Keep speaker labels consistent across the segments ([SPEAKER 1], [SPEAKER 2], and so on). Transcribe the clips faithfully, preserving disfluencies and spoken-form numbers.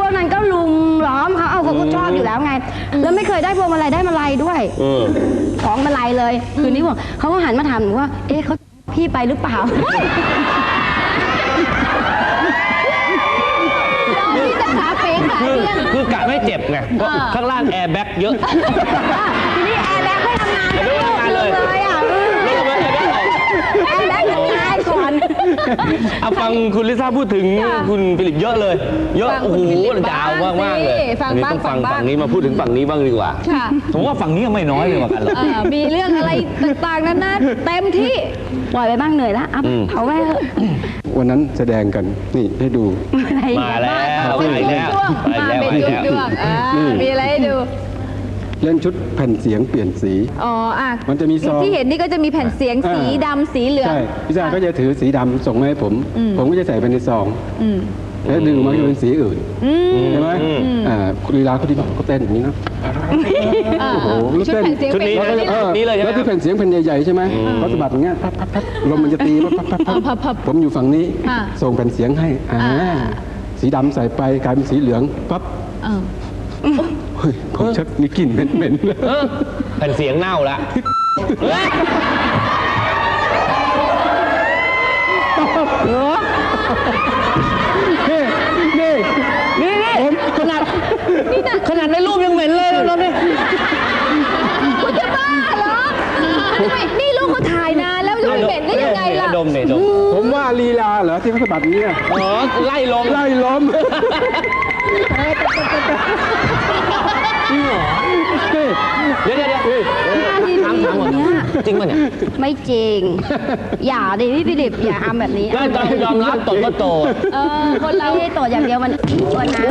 [SPEAKER 1] วกนั้นก็ลุมล้อมเขาเอาเขาก็ชอบอยู่แล้วไงแล้วไม่เคยได้พวงมาลัยได้มาลัยด้วยของมาลัยเลยคืนนี้บอกเขาก็หันมาถามหนูว่าเอ๊ะเขาพี่ไปหรือเปล่า
[SPEAKER 2] พี่จะขาเป๋ขาเลี้ยง
[SPEAKER 3] คือกะไม่เจ็บไงเพราะข้างล่างแอร์แบ็กเยอะ
[SPEAKER 1] ทีนี้แอร์แบ็กไม่ทำงานไม่ทำงานเลยอ่ะแอร์แบ็กทำงานก่อน
[SPEAKER 3] เอาฟังคุณลิซ่าพูดถึงคุณฟิลิปเยอะเลยเยอะโอ้โหยาวมากๆเลยอันนี้ต้องฟังฝั่งนี้มาพูดถึงฝั่งนี้บ้างดีกว่าผมว่าฝั่งนี้ไม่น้อยเลยเหมือนกันเลย
[SPEAKER 2] มีเรื่องอะไรต่างๆนั้นนะเต็มที่
[SPEAKER 1] ปล่อยไปบ้างเหนื่อยแล้วเอาไว้
[SPEAKER 4] วันนั้นแสดงกันนี่ให้ดู
[SPEAKER 3] มาแล้วมาแล้ว
[SPEAKER 2] มาเป็นช่วงๆมีอะไรให้ดู
[SPEAKER 4] เล่นชุดแผ่นเสียงเปลี่ยนสี
[SPEAKER 2] อ๋ออ่ะ
[SPEAKER 4] มันจะมีซอง
[SPEAKER 2] ที่เห็นนี่ก็จะมีแผ่นเสียงสีดำสีเหลือง
[SPEAKER 4] ใช่พี่ชายก็จะถือสีดำส่งมาให้ผมผมก็จะใส่ไปในซองแล้วดึงมาจะเป็นสีอื่นใช่ไหมอ่าลีลาเขาที่บอกเขาเต้นอย่างนี้นะโอ้โห
[SPEAKER 2] ชุดแผ่นเสียง
[SPEAKER 3] ชุดนี้นี่เลย
[SPEAKER 4] แล้วที่แผ่นเสียงแผ่นใหญ่ๆใช่ไหมเขาสะบัดอย่างเงี้ยพับพับพับลมมันจะตีพับพับผมอยู่ฝั่งนี้ส่งแผ่นเสียงให้อ่าสีดำใส่ไปกลายเป็นสีเหลืองปั๊บเฮ้ยผมชักมีกลิ่นเหม็นๆเลย
[SPEAKER 3] แผ่นเสียงเน่าละ
[SPEAKER 4] นี่นี่
[SPEAKER 3] นี่นี่ขนาดขนาดในรูปยังเหม็นเลยเราเนี่ย
[SPEAKER 2] คุณจะบ้าเหรอนี่ลูกเขาถ่ายนานแล้วจะไม่เหม็นได้ยังไงล่ะ
[SPEAKER 3] ดมเนี่ยดม
[SPEAKER 4] ผมว่าลีลาเหรอที่เขาสะบัดนี้
[SPEAKER 3] อ๋อไล่ลม
[SPEAKER 4] ไล่ลม
[SPEAKER 3] จริงเหรอเดี๋ยวเดี๋ยวเดี๋ยวถามถามก่อนจริงป่ะเนี่ย
[SPEAKER 1] ไม่จริงอย่าดิพี่ฟิลิปอย่าทำแบบนี้
[SPEAKER 3] ก็ต้องยอมรับโตก็โต
[SPEAKER 1] เออคนเราไม่โตอย่างเดียวมันวันนะ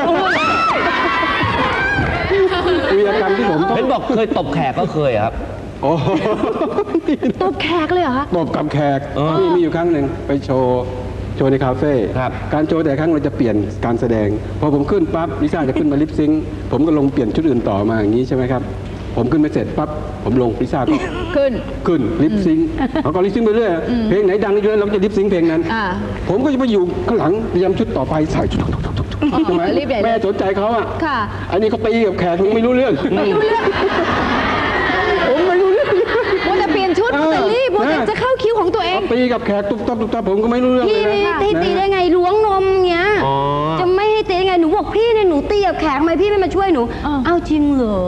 [SPEAKER 4] วีรกรรมที่ผม
[SPEAKER 3] เห็นบอกเคยตบแขกก็เคยครับ
[SPEAKER 4] โอ้
[SPEAKER 1] ตบแขกเลยเหรอคะ
[SPEAKER 4] ตบกับแขกมีมีอยู่ครั้งหนึ่งไปโชว์โชว์ในคาเฟ่การโชว์แต่ครั้งเราจะเปลี่ยนการแสดงพอผมขึ้นปั๊บลิซ่าจะขึ้นมาลิปซิงค์ผมก็ลงเปลี่ยนชุดอื่นต่อมาอย่างนี้ใช่ไหมครับผมขึ้นไปเสร็จปั๊บผมลงลิซ่าก็
[SPEAKER 2] ขึ้น
[SPEAKER 4] ขึ้นลิปซิงค์เขาก็ลิปซิงค์ไปเรื่อยเพลงไหนดังเยอะเราจะลิปซิงค์เพลงนั้นผมก็จะไปอยู่ข้างหลังเตรียมชุดต่อไปใส่ชุดทำไมแม่สนใจเขาอ่ะอันนี้เขาตีกับแขกผมไม่รู้เรื่อง
[SPEAKER 2] ไม่รู้เรื่อง
[SPEAKER 4] ผมไม่รู้เรื่อง
[SPEAKER 2] ว่าจะเปลี่ยนชุดจะรีบว่าจะเข้าคิวของตัวเอง
[SPEAKER 4] ตีกับแขกตุ๊บตับตุ๊บตับผมก็ไม่รู้เรื่อง
[SPEAKER 1] พี่ตีตีได้ไงล้วงนมเงี้ยจะไม่ให้ตีได้ไงหนูบอกพี่เนี่ยหนูตีกับแขกทำไมพี่ไม่มาช่วยหนูเอ้าจริงเหรอ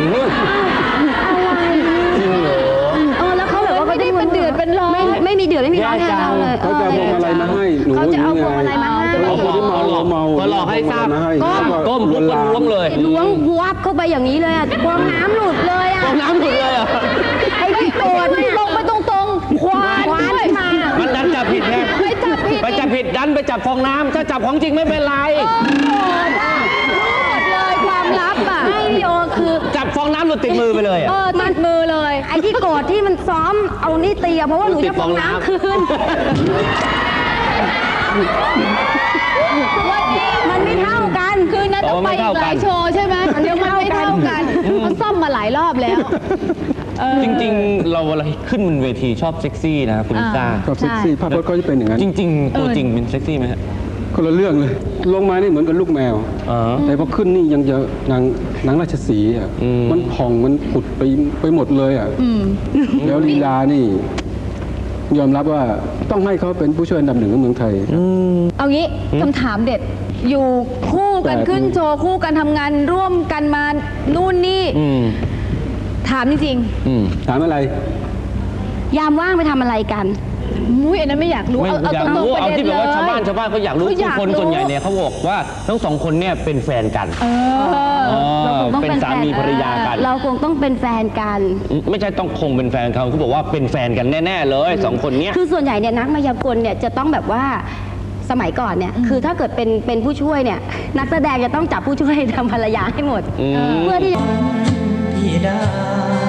[SPEAKER 1] อะไร
[SPEAKER 3] จริงเหรอ
[SPEAKER 1] เออแล้วเขาแบบว่า
[SPEAKER 2] ไม่ได้เป็นเดือดเป็นร้อน
[SPEAKER 1] ไม่ไม่มีเดือดไม่มีร้อนแทนเราเลย
[SPEAKER 4] เขาจะเอาพวงมาลัยมาให้หนู
[SPEAKER 1] เขาจะเอาพวงมาลัยมาให้
[SPEAKER 4] เอาคนที่เมาเมา
[SPEAKER 3] ก็หลอกให้ทราบก้มลุกกันล้วงเลย
[SPEAKER 1] ล้วงวับเข้าไปอย่างนี้เลยอ่ะฟองน้ำหลุดเลยอ่ะ
[SPEAKER 3] ฟองน้ำหลุดเลยอ่ะ
[SPEAKER 1] ไอ้ที่โกรธลงไปตรงๆควานควานมา
[SPEAKER 3] มันดันจับผิดไง
[SPEAKER 2] ไปจับผิด
[SPEAKER 3] ไปจับผิดดันไปจับฟองน้ำถ้าจับของจริงไม่เป็นไร
[SPEAKER 2] เลยความลับอ่ะ
[SPEAKER 1] ไม่โอคือ
[SPEAKER 3] จับฟองน้ำหลุดติดมือไปเลยอ่ะ
[SPEAKER 2] เออติดมือเลย
[SPEAKER 1] ไอ้ที่โกรธที่มันซ้อมเอานี่ตีเพราะว่าหนูจะฟองน้ำคืนมันไม่เท่ากัน
[SPEAKER 2] คือนั้นต้องไปอีกหลายโชว์ใช่ไหมมันไม่เท่ากันมันซ่อมมาหลายรอบแล้ว
[SPEAKER 3] จริงๆเราอะไรขึ้นบนเวทีชอบเซ็กซี่นะคุณลิซ่า
[SPEAKER 4] ชอบเซ็กซี่ภาพพจน์ก็จะเป็นอย่างนั้น
[SPEAKER 3] จริงๆตัวจริงเป็นเซ็กซี่ไหมฮะ
[SPEAKER 4] คนละเรื่องเลยลงมานี่เหมือนกับลูกแมวแต่พอขึ้นนี่ยังจะนางนางราชสีห์อ่ะมันผ่องมันผุดไปไปหมดเลยอ่ะแล้วลีลานี่ยอมรับว่าต้องให้เขาเป็นผู้ช่วยอันดับหนึ่งของเมืองไทย
[SPEAKER 2] เอางี้คำถามเด็ดอยู่คู่กันขึ้นโชว์คู่กันทำงานร่วมกันมานู่นนี่ถามจริง
[SPEAKER 4] ถามอะไร
[SPEAKER 1] ยามว่างไปทำอะไรกัน
[SPEAKER 2] มุ้ยอันนั้นไม่อยากรู้
[SPEAKER 3] เอาอยากรู้เอาที่แบบว่าชาวบ้านชาวบ้านเขาอยากรู้ทุกคนส่วนใหญ่เนี่ยเขาบอกว่าทั้งสองคนเนี่ยเป็นแฟนกันเป็นสามีภรรยากัน
[SPEAKER 1] เราคงต้องเป็นแฟนกัน
[SPEAKER 3] ไม่ใช่ต้องคงเป็นแฟนเขาเขาบอกว่าเป็นแฟนกันแน่ๆเลยสองคนเนี้ย
[SPEAKER 1] คือส่วนใหญ่เนี่ยนักมายากลเนี่ยจะต้องแบบว่าสมัยก่อนเนี่ยคือถ้าเกิดเป็นเป็นผู้ช่วยเนี่ยนักแสดงจะต้องจับผู้ช่วยทำภรรยาให้หมดเพื่อที่